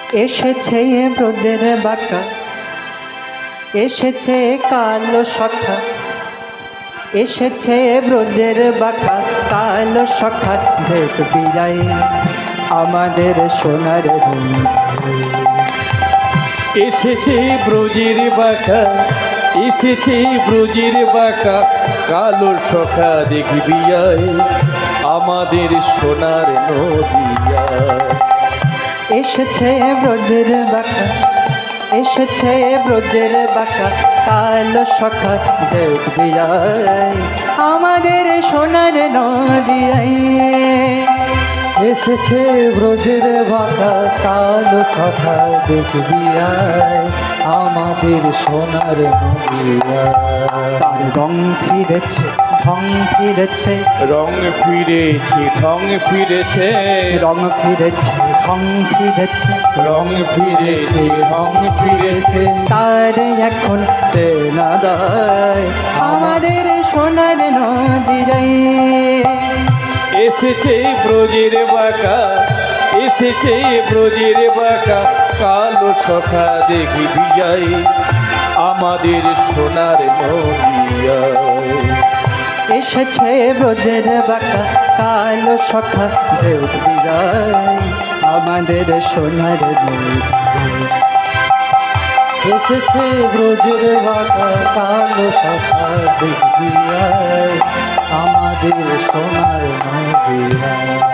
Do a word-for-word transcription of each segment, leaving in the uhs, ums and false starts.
এসেছে ব্রজের বাঁকা, এসেছে কালো সখা, এসেছে ব্রজের বাঁকা কালো সখা, দেখবি যাই আমাদের সোনার বন্ধু। এসেছে ব্রজের বাঁকা, এসেছে ব্রজের বাঁকা কালো সখা, দেখবি আয় আমাদের সোনার নদিয়া। এসেছে ব্রজের বাঁকা, এসেছে ব্রজের বাঁকা কালো সখা, দেখবি আয় আমাদের সোনার নদিয়ায়। এসেছে ব্রজের বাঁকা কালো সখা, দেখবি আয় আমাদের সোনার নদিয়া। তার রং ফিরেছে, ঢং ফিরেছে, রং ফিরেছে, ঢং ফিরেছে, রং ফিরেছে, ঢং ফিরেছে, রং ফিরেছে, ঢং ফিরেছে। তার এখন চেনা দায় আমাদের সোনার নদিয়ায়। এসেছে ব্রজের বাঁকা, এসেছে ব্রজের বাঁকা কালো সখা, দেখবি যাই আমাদের সোনার নদিয়া। এসেছে ব্রজের বাঁকা কালো সখা, দেখবি যাই আমাদের সোনার নদিয়া। এসেছে ব্রজের বাঁকা কালো সখা, দেখবি আয় আমাদের সোনার নদিয়া।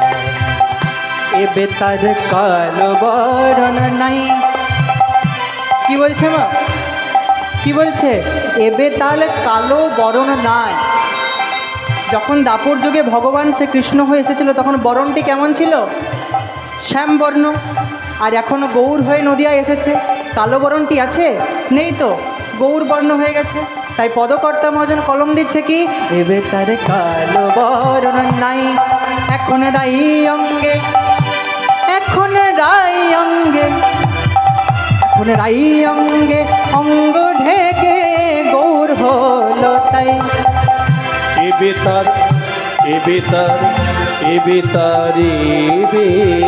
এবে তার কালো বরণ নাই, কি বলছে মা, কি বলছে? এবে তার কালো বরণ নাই। যখন দাপর যুগে ভগবান সে কৃষ্ণ হয়ে এসেছিল তখন বরণটি কেমন ছিল? শ্যামবর্ণ। আর এখন গৌর হয়ে নদিয়ায় এসেছে, কালো বরণটি আছে? নেই তো, গৌর বর্ণ হয়ে গেছে। তাই পদকর্তা মহাজন কলম দিচ্ছে কি, এবে তার কালো বরণ নাই, এখন রাই অঙ্গে, এখন রাই অঙ্গে, এখন রাই অঙ্গে অঙ্গ ঢেকে গৌর হলো তাই। এবে তার, এবে তার, এবে তার, এবে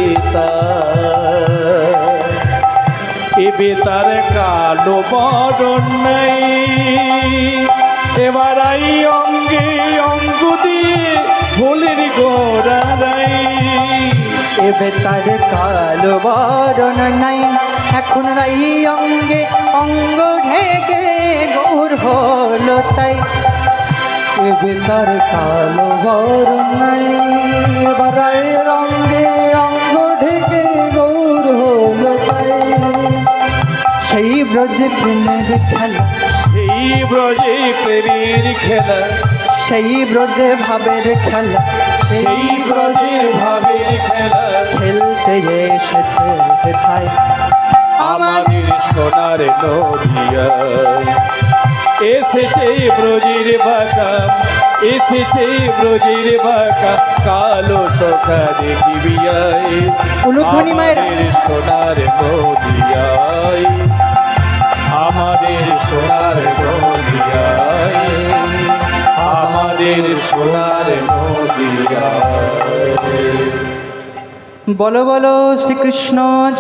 তার, এবে তার কালো বরণ নাই, এবার আই অঙ্গে অঙ্গ দিয়ে ভোলের গোড়া নাই। এবে তার কালো বরণ নাই, এখন রাই অঙ্গে অঙ্গ ঢেকে গৌর হলো তাই। এবে তার কালো বরণ নাই, এবার আই অঙ্গে অঙ্গ ঢেকে গৌর হলো তাই। সেই ব্রজে প্রেমের খেলা, সেই ব্রজে প্রেমের খেলা, সেই ব্রজে ভাবের খেলা, সেই ব্রজে ভাবের খেলা, খেলতে এসেছে হেথায় আমাদের সোনার নদিয়ায়। এসেছে ব্রজের বাঁকা, এসেছে ব্রজের বাঁকা কালো সখা, দেখবি আয় উলুধ্বনি মায়েরা। আমাদের সোনার নদিয়ায়, আমাদের সোনার নদিয়ায়, আমাদের সোনার নদিয়ায়। বলো বলো শ্রীকৃষ্ণ।